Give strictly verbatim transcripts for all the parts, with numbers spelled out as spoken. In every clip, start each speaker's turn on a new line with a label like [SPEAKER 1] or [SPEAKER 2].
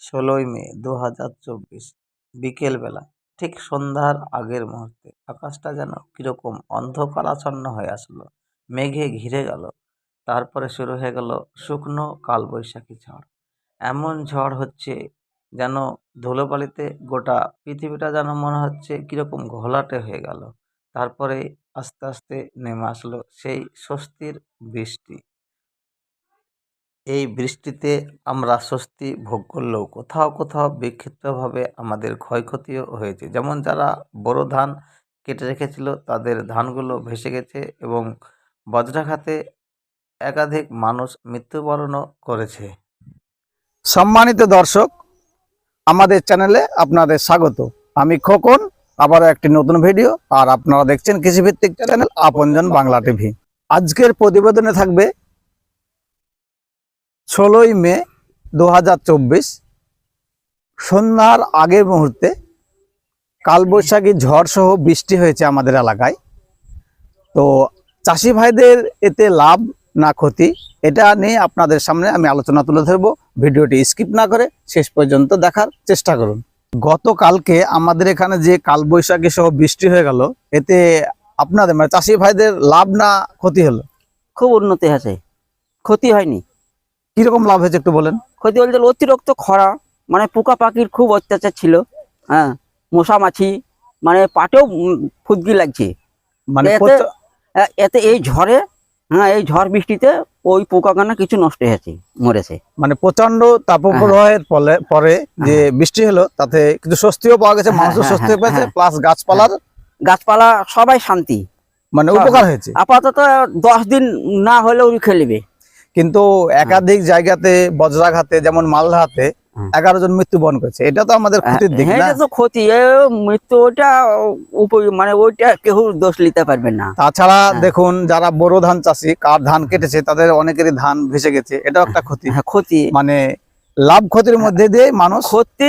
[SPEAKER 1] ষোলোই মে দু হাজার চব্বিশ বিকেলবেলা, ঠিক সন্ধ্যার আগের মুহূর্তে আকাশটা যেন কিরকম অন্ধকারাচ্ছন্ন হয়ে আসলো, মেঘে ঘিরে গেল। তারপরে শুরু হয়ে গেল শুকনো কালবৈশাখী ঝড়। এমন ঝড় হচ্ছে যেন ধুলোবালিতে গোটা পৃথিবীটা যেন মনে হচ্ছে কিরকম ঘোলাটে হয়ে গেল। তারপরে আস্তে আস্তে নেমে আসলো সেই স্বস্তির বৃষ্টি। এই বৃষ্টিতে আমরা স্বস্তি ভোগ করলেও কোথাও কোথাও বিক্ষিপ্তভাবে আমাদের ক্ষয়ক্ষতিও হয়েছে। যেমন যারা বোরো ধান কেটে রেখেছিল তাদের ধানগুলো ভেসে গেছে এবং বজ্রাঘাতে একাধিক মানুষ মৃত্যুবরণও করেছে।
[SPEAKER 2] সম্মানিত দর্শক, আমাদের চ্যানেলে আপনাদের স্বাগত। আমি খোকন, আবারও একটি নতুন ভিডিও, আর আপনারা দেখছেন কৃষিভিত্তিক চ্যানেল আপনজন বাংলা টিভি। আজকের প্রতিবেদনে থাকবে ষোলোই মে দু হাজার চব্বিশ সন্ধ্যার আগের মুহূর্তে কালবৈশাখী ঝড় সহ বৃষ্টি হয়েছে আমাদের এলাকায়। তো চাষি ভাইদের এতে লাভ না ক্ষতি, এটা নিয়ে আপনাদের সামনে আমি আলোচনা তুলে ধরবো। ভিডিওটি স্কিপ না করে শেষ পর্যন্ত দেখার চেষ্টা করুন। গতকালকে আমাদের এখানে যে কালবৈশাখী সহ বৃষ্টি হয়ে গেল, এতে আপনাদের মানে চাষি ভাইদের লাভ না ক্ষতি হলো?
[SPEAKER 3] খুব উন্নতি হয়েছে, ক্ষতি হয়নি।
[SPEAKER 2] কিরকম লাভ হয়েছে একটু বলেন।
[SPEAKER 3] ক্ষতি বলতে অতিরিক্ত খরা, মানে পোকা পাখির খুব অত্যাচার ছিল। হ্যাঁ, মশা মাছি, মানে পাটেও উম ফুদকি লাগছে।
[SPEAKER 2] মানে
[SPEAKER 3] এতে
[SPEAKER 2] প্রচ-
[SPEAKER 3] আহ, এতে এই ঝড়ে, হ্যাঁ এই ঝড় বৃষ্টিতে ওই পোকাখানা কিছু নষ্ট হয়েছে, মরেছে।
[SPEAKER 2] মানে প্রচন্ড তাপপ্রবাহের ফলে পরে যে বৃষ্টি হলো তাতে কিছু স্বস্তিও পাওয়া গেছে,
[SPEAKER 3] হ্যাঁ,
[SPEAKER 2] মানুষের
[SPEAKER 3] হ্যাঁ,
[SPEAKER 2] স্বস্তিও
[SPEAKER 3] হ্যাঁ,
[SPEAKER 2] পেয়েছে,
[SPEAKER 3] হ্যাঁ।
[SPEAKER 2] প্লাস গাছপালার
[SPEAKER 3] গাছপালা সবাই শান্তি,
[SPEAKER 2] মানে
[SPEAKER 3] সব-
[SPEAKER 2] উপকার হয়েছে।
[SPEAKER 3] আপাতত দশ দিন না হলেও খেলিবে।
[SPEAKER 2] কিন্তু একাধিক জায়গাতে বজ্রাঘাতে, যেমন মালদাতে
[SPEAKER 3] হুম।
[SPEAKER 2] এগারো জন মৃত্যুবরণ করেছে। এটা তো আমাদের ক্ষতির দিক
[SPEAKER 3] হ্যাঁ,
[SPEAKER 2] না?
[SPEAKER 3] এটা তো ক্ষতি। এ মৃত্যু ওইটা উপ- মানে ওইটা কেউ দোষ নিতে পারবে না।
[SPEAKER 2] তাছাড়া
[SPEAKER 3] হ্যাঁ।
[SPEAKER 2] দেখুন, যারা বোরো ধান চাষি, কার ধান কেটেছে তাদের অনেকেরই ধান ভেসে গেছে, এটাও একটা ক্ষতি।
[SPEAKER 3] হ্যাঁ, ক্ষতি
[SPEAKER 2] মানে লাভ ক্ষতির মধ্যে দিয়ে মানুষ
[SPEAKER 3] ক্ষতি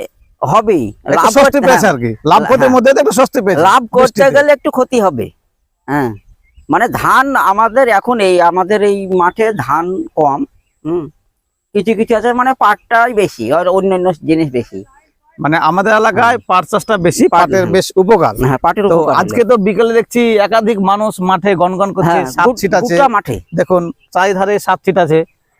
[SPEAKER 3] হবেই।
[SPEAKER 2] একটু
[SPEAKER 3] লাভ
[SPEAKER 2] স্বস্তি
[SPEAKER 3] করতে-
[SPEAKER 2] পেয়েছে
[SPEAKER 3] হ্যাঁ,
[SPEAKER 2] আর কি। লাভ ক্ষতির
[SPEAKER 3] হ্যাঁ।
[SPEAKER 2] মধ্যে দিয়ে একটু স্বস্তি পেয়েছে।
[SPEAKER 3] লাভ করতে
[SPEAKER 2] বৃষ্টিতে।
[SPEAKER 3] গেলে একটু ক্ষতি হবে। হ্যাঁ, মানে ধান আমাদের এখন এই আমাদের এই মাঠে ধান কম। হুম, কিছু কিছু আছে মানে পাটটাই বেশি আর অন্যান্য জিনিস বেশি।
[SPEAKER 2] মানে আমাদের এলাকায় পাট চাষটা বেশি,
[SPEAKER 3] পাট-
[SPEAKER 2] পাটের বেশ উপকার।
[SPEAKER 3] হ্যাঁ, পাটের
[SPEAKER 2] তো
[SPEAKER 3] উপকার
[SPEAKER 2] আজকে
[SPEAKER 3] হলো।
[SPEAKER 2] তো বিকেলে দেখছি একাধিক মানুষ মাঠে গনগন করছে,
[SPEAKER 3] হ্যাঁ,
[SPEAKER 2] সাত
[SPEAKER 3] গু-
[SPEAKER 2] ছিট আছে
[SPEAKER 3] গোটা মাঠে।
[SPEAKER 2] দেখুন, চারিধারে সাত ছিট আছে।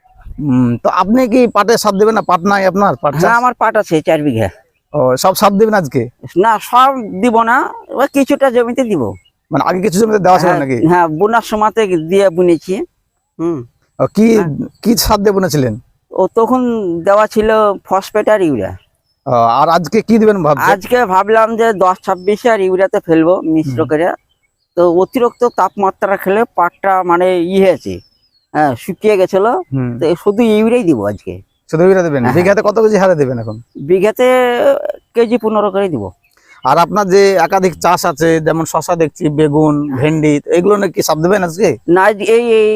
[SPEAKER 2] উম, তো আপনি কি পাটে সাত দিবেন না? পাট নাই আপনার? পাট চাষ?
[SPEAKER 3] হ্যাঁ, আমার পাট আছে চার বিঘা।
[SPEAKER 2] ও, সব সাত দিবেন আজকে?
[SPEAKER 3] না, সব দিব না, ওই কিছুটা জমিতে দিব।
[SPEAKER 2] মানে আগে কিছু জমিতে দেওয়া ছিল
[SPEAKER 3] হ্যাঁ,
[SPEAKER 2] নাকি?
[SPEAKER 3] হ্যাঁ, বোনার সময়তে দিয়ে বুনেছি। হুম,
[SPEAKER 2] ও, কি কি সার দিয়ে বুনেছিলেন?
[SPEAKER 3] ও তখন দেওয়া ছিল ফসফেট আর ইউরিয়া।
[SPEAKER 2] ও, আর আজকে কি দিবেন ভাবছেন?
[SPEAKER 3] আজকে ভাবলাম যে দশ ছাব্বিশ আর ইউরিয়াতে ফেলবো মিশ্র করে। তো অতিরিক্ত তাপমাত্রা খেলে পাটটা মানে ই হয়েছে, হ্যাঁ শুকিয়ে গেছিল।
[SPEAKER 2] হুম।
[SPEAKER 3] তো শুধু ইউরিয়াই দিব আজকে।
[SPEAKER 2] শুধু ইউরিয়া দিবেন?
[SPEAKER 3] হ্যাঁ।
[SPEAKER 2] বিঘাতে কত কেজি হারে দিবেন এখন?
[SPEAKER 3] বিঘাতে কেজি পনেরো করে দিব।
[SPEAKER 2] আর আপনার যে একাধিক চাষ আছে, যেমন শশা দেখছি, বেগুন, ভেন্ডি, এগুলো নাকি সার দিবেন আজকে?
[SPEAKER 3] না, আজ- এই এই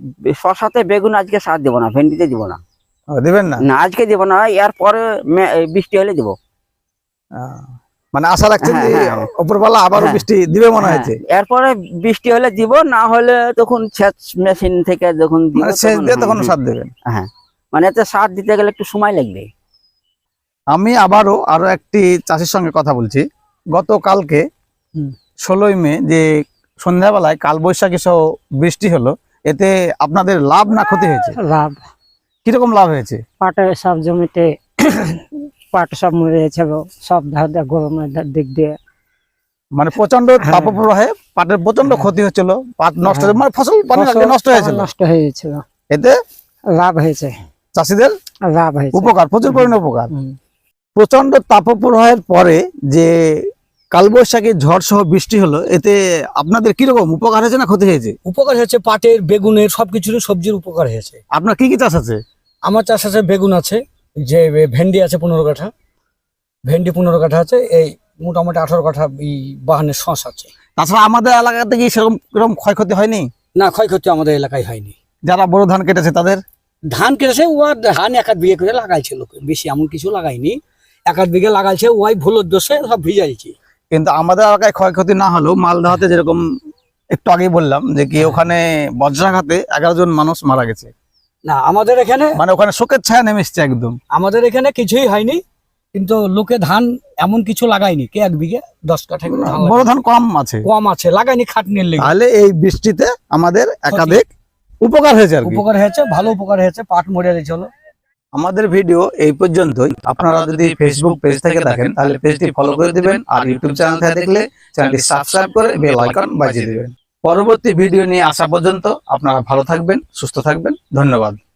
[SPEAKER 3] শশাতে বেগুন আজকে সার দিব না, ভেন্ডিতে দিব না।
[SPEAKER 2] ও, দিবেন না?
[SPEAKER 3] না, আজকে দিব না, এর পরে মে- এই বৃষ্টি হলে দিব।
[SPEAKER 2] আহ, মানে আশা রাখছেন যে
[SPEAKER 3] হ্যাঁ, হ্যাঁ।
[SPEAKER 2] উপরওয়ালা আবারও
[SPEAKER 3] হ্যাঁ।
[SPEAKER 2] বৃষ্টি দিবে মনে
[SPEAKER 3] হ্যাঁ,
[SPEAKER 2] হয়েছে?
[SPEAKER 3] এরপরে বৃষ্টি হলে দিব, না হলে তখন সেচ মেশিন থেকে যখন দিব
[SPEAKER 2] মানে সেচ
[SPEAKER 3] তখন-
[SPEAKER 2] দিয়ে তখন
[SPEAKER 3] হ্যাঁ,
[SPEAKER 2] সার দেবেন?
[SPEAKER 3] হ্যাঁ, মানে এতে সার দিতে গেলে একটু সময় লাগবে।
[SPEAKER 2] আমি আবারও আরো একটি চাষির সঙ্গে কথা বলছি। গতকালকে ষোলোই মে যে সন্ধ্যাবেলায় কালবৈশাখী সহ বৃষ্টি হলো, এতে আপনাদের লাভ না ক্ষতি হয়েছে?
[SPEAKER 4] লাভ।
[SPEAKER 2] কিরকম লাভ হয়েছে?
[SPEAKER 4] পাটের সব জমিতে পাট সব মরে গেছে, সব ধার দিয়ে গরমের ধার দিক দিয়ে।
[SPEAKER 2] মানে প্রচন্ড
[SPEAKER 4] হ্যাঁ।
[SPEAKER 2] তাপপ্রবাহে পাটের প্রচন্ড ক্ষতি হচ্ছিল, পাট নষ্ট হয়ে-
[SPEAKER 4] হ্যাঁ।
[SPEAKER 2] মানে ফসল পানি লাগলে
[SPEAKER 4] ফসল
[SPEAKER 2] নষ্ট হয়েছিল।
[SPEAKER 4] নষ্ট হয়ে গেছিল।
[SPEAKER 2] এতে
[SPEAKER 4] লাভ হয়েছে,
[SPEAKER 2] চাষিদের
[SPEAKER 4] লাভ হয়েছে।
[SPEAKER 2] উপকার, প্রচুর পরিমাণে উপকার।
[SPEAKER 4] হুম।
[SPEAKER 2] প্রচন্ড তাপপ্রবাহের পরে যে কালবৈশাখী ঝড় সহ বৃষ্টি হলো, এতে আপনাদের কিরকম উপকার হয়েছে না ক্ষতি হয়েছে?
[SPEAKER 5] উপকার হয়েছে, পাটের, বেগুনের, সবকিছুরই সবজির উপকার হয়েছে।
[SPEAKER 2] আপনার কি কি চাষ আছে?
[SPEAKER 5] আমার চাষ আছে, বেগুন আছে, যে ভেন্ডি আছে পনেরো কাঠা, ভেন্ডি পনেরো কাঠা আছে, এই মোটামুটি আঠারো কাঠা এই বাহানের শস আছে।
[SPEAKER 2] তাছাড়া আমাদের এলাকাতে কি সেরকম এরকম ক্ষয়ক্ষতি হয়নি?
[SPEAKER 5] না, ক্ষয়ক্ষতি আমাদের এলাকায় হয়নি।
[SPEAKER 2] যারা বড় ধান কেটেছে তাদের?
[SPEAKER 5] ধান কেটেছে, ও আর ধান এক আধ বিঘে করে লাগাইছে, লোক বেশি এমন কিছু লাগাইনি, এক আধ বিঘে লাগাইছে, ওই ভুলোর দোষে সব ভিজাইছে।
[SPEAKER 2] কিন্তু আমাদের এলাকায় ক্ষয়ক্ষতি না হলেও মালদাতে যেরকম একটু আগেই বললাম যে কি ওখানে বজ্রাঘাতে এগারো জন মানুষ মারা গেছে।
[SPEAKER 5] না আমাদের এখানে
[SPEAKER 2] মানে ওখানে শোকের ছায়া নেমে এসছে একদম।
[SPEAKER 5] আমাদের এখানে কিছুই হয়নি, কিন্তু লোকে ধান এমন কিছু লাগায়নি, কে এক বিঘে দশ কাঠা করে ধান
[SPEAKER 2] বড়
[SPEAKER 5] লাগায়।
[SPEAKER 2] ধান কম আছে,
[SPEAKER 5] কম আছে, লাগায়নি খাটনির লেগে।
[SPEAKER 2] তাহলে এই বৃষ্টিতে আমাদের একাধিক উপকার হয়েছে আর কি।
[SPEAKER 5] উপকার হয়েছে, ভালো উপকার হয়েছে, পাট মরে গেছিল।
[SPEAKER 2] আমাদের ভিডিও এই পর্যন্তই। আপনারা যদি ফেসবুক পেজ থেকে দেখেন তাহলে পেজটি ফলো করে দিবেন, আর ইউটিউব চ্যানেল থেকে দেখলে চ্যানেলটি সাবস্ক্রাইব করে বেল আইকন বাজিয়ে দিবেন। পরবর্তী ভিডিও নিয়ে আসা পর্যন্ত আপনারা ভালো থাকবেন, সুস্থ থাকবেন। ধন্যবাদ।